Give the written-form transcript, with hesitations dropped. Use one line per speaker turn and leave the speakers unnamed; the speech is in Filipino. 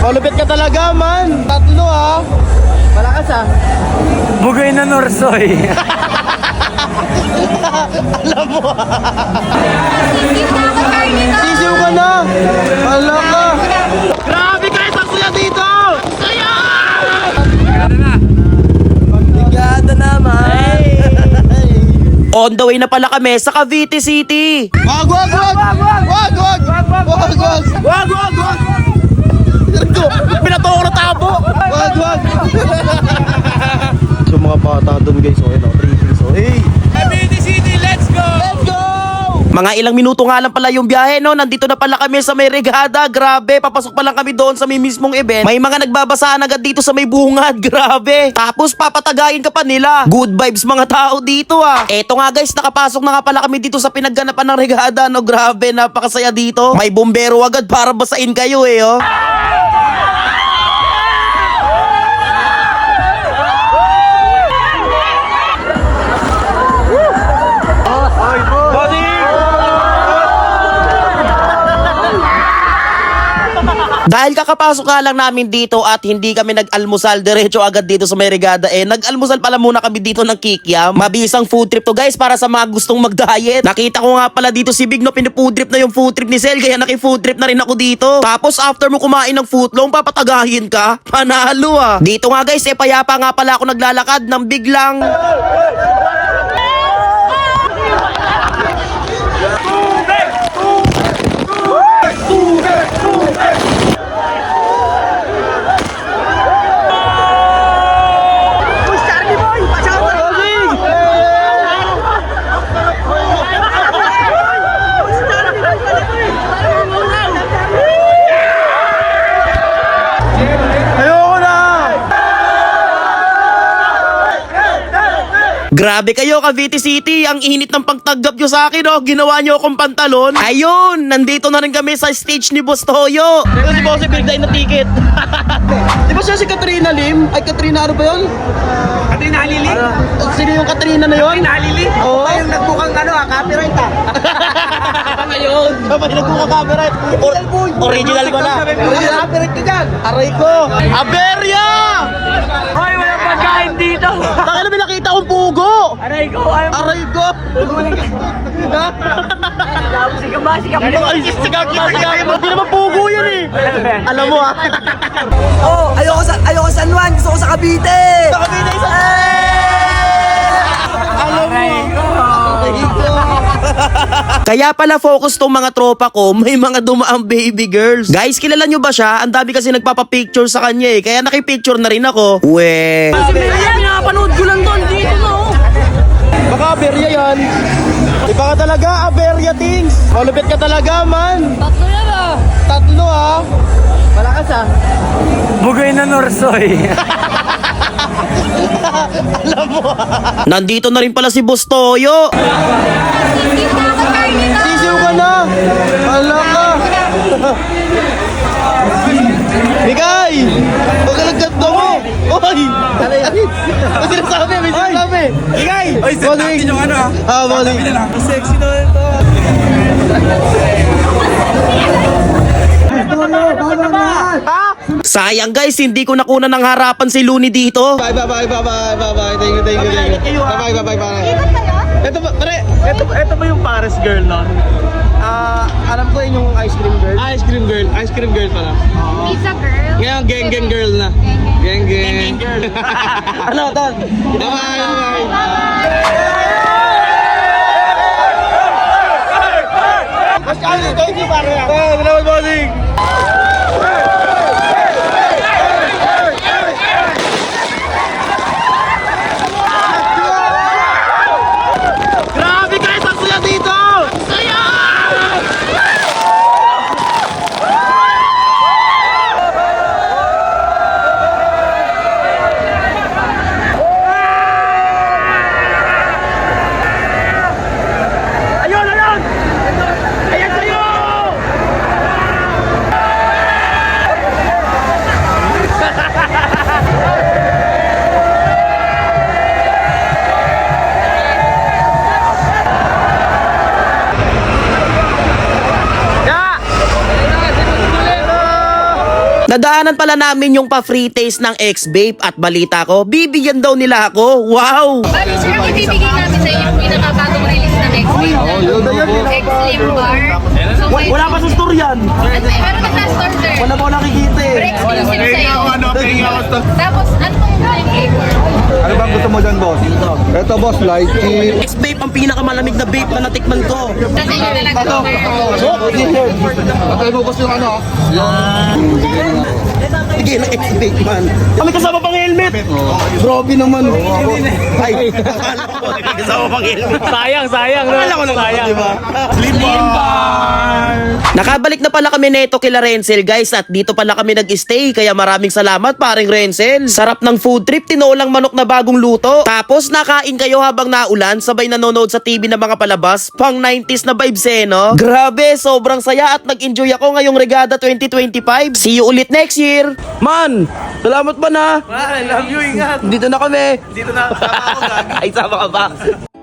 Malupit ka talaga, man. Tatlo, ha. Malakas, ha.
Bugay na Norsoy.
Alam mo, ha. Sisiw ka na. Wala ka. Grabe kayo sa kuya dito. Saya! Ligada naman.
On the way na pala kami sa Cavite City.
Wag, wag, wag. Wag, wag. Wag, wag. Wag, wag, wag.
Pinato ko na tabo.
Wag, wag. So mga bata doon guys, okay na. 3 so hey.
Cavite City, let's go!
Let's go!
Mga ilang minuto nga lang pala yung biyahe, no? Nandito na pala kami sa may Regada. Grabe, papasok pa lang kami doon sa may mismong event. May mga nagbabasaan agad dito sa may bungad. Grabe. Tapos papatagayin ka pa nila. Good vibes mga tao dito, ah. Eto nga guys, nakapasok na nga pala kami dito sa pinagganapan ng Regada, no? Grabe, napakasaya dito. May bombero agad para basain kayo, eh, oh. Dahil kakapasok nga lang namin dito at hindi kami nag-almusal, diretso agad dito sa may Regada, nag-almusal pala muna kami dito ng kikiam. Mabisang food trip to guys para sa mga gustong mag-diet. Nakita ko nga pala dito si Big, no, pinifood trip na yung food trip ni Sel, kaya naki-food trip na rin ako dito. Tapos after mo kumain ng footlong, papatagahin ka? Panalo, ah. Dito nga guys, payapa nga pala ako naglalakad nang biglang grabe kayo, Cavite City. Ang init ng pagtanggap nyo sa akin, oh. Ginawa nyo akong pantalon. Ayun, nandito na rin kami sa stage ni Boss Toyo.
Ito si Bossy pinagdain na ticket. Di ba siya si Katrina Lim? Ay, Katrina ano ba yun?
Katrina Halili?
Sino yung Katrina na yun?
Katrina Halili?
Oo.
Yung nagbukang copyright,
Ngayon. Sabay nagbuka copyright. Original ko na.
Original copyright ka dyan.
Aray ko. Aberya!
Hoy, walang pagkain dito.
Taka na may nakita kong pugo.
Aray ko, ayaw mo.
Aray ko.
Sikap ba? Sikap ba?
Ay, sigag. Hindi naman pugo yan eh. Alam mo, ah.
Oh, ayoko sa San Juan. Gusto ko sa Cavite.
Sa Cavite, isa. Alam mo. Aray ko.
Kaya pala focus tong mga tropa ko, may mga dumaang baby girls. Guys, kilala nyo ba siya? Ang dami kasi nagpapapicture sa kanya, eh. Kaya nakipicture na rin ako. We.
Pinapanood ko lang doon dito, no?
Baka Aberya yan. Iba ka talaga, Aberya things. Malupit ka talaga, man.
Tatlo yan, ah.
Tatlo, ha. Malakas, ha.
Bugay na Norsoy.
Alam mo, ha.
Nandito na rin pala si Boss Toyo.
Sisiw ka na. Wala ka. Bigay! Huwag ka nagkanda mo! Oy! May sinasabi! May sinasabi! Bigay!
Oy, set natin yung ano, ah.
Ah, bali.
Sexy na ito.
Sayang guys, hindi ko nakuna ng harapan si Looney dito.
Bye, bye, bye, bye, bye, bye, bye. Thank you, thank you, thank you. Bye, bye, bye, bye. Ito ba, pare, ito ba yung Paris girl, no? Alam ko yun yung ice cream girl. Ice cream girl pala.
Pizza girl.
Ngayon, gang girl na. Gang girl. Ano, Ton? Bye, bye, bye. Thank you, pare. Salamat, bossing. Grabe kayo sa kuya dito! Saya!
Nadaanan pala namin yung pa-free taste ng X-Vape at balita ko, bibigyan daw nila ako. Wow!
Bali, sir, ang ibibigay namin sa inyo yung pinakabagong release ng X-Vape. X-Slim Bar. So, may,
Wala pa sa store yan.
meron na last order.
Wala ko nakikita eh.
Super exclusive sa'yo. Tapos, ano pong flavor?
Ano bang gusto mo dyan, boss? Ito, boss, lychee.
X-Vape ang pinakamalamig na vape na natikman ko.
Sa inyo talaga, sir.
Patay mo gusto yung ano?
Sige na X-Vape man.
Kami kasama pang helmet.
Grabe naman.
Ay, akala ko may kasama pang helmet.
Sayang. Akala ko lang sayang. Diba? Slim bar.
Nakabalik na pala kami neto kila Renzel guys at dito pala kami nag-stay kaya maraming salamat paring Renzel. Sarap ng food trip, tinolang manok na bagong luto. Tapos nakain kayo habang naulan sabay nanonood sa TV ng mga palabas. Pang 90s na vibes eh no? Grabe, sobrang saya at nag-enjoy ako ngayong Regada 2025. See you ulit next year.
Man, salamat ba na? I love you, ingat.
Dito na kami.
Dito na, sama ako, gagi.
Ay, sama ka ba?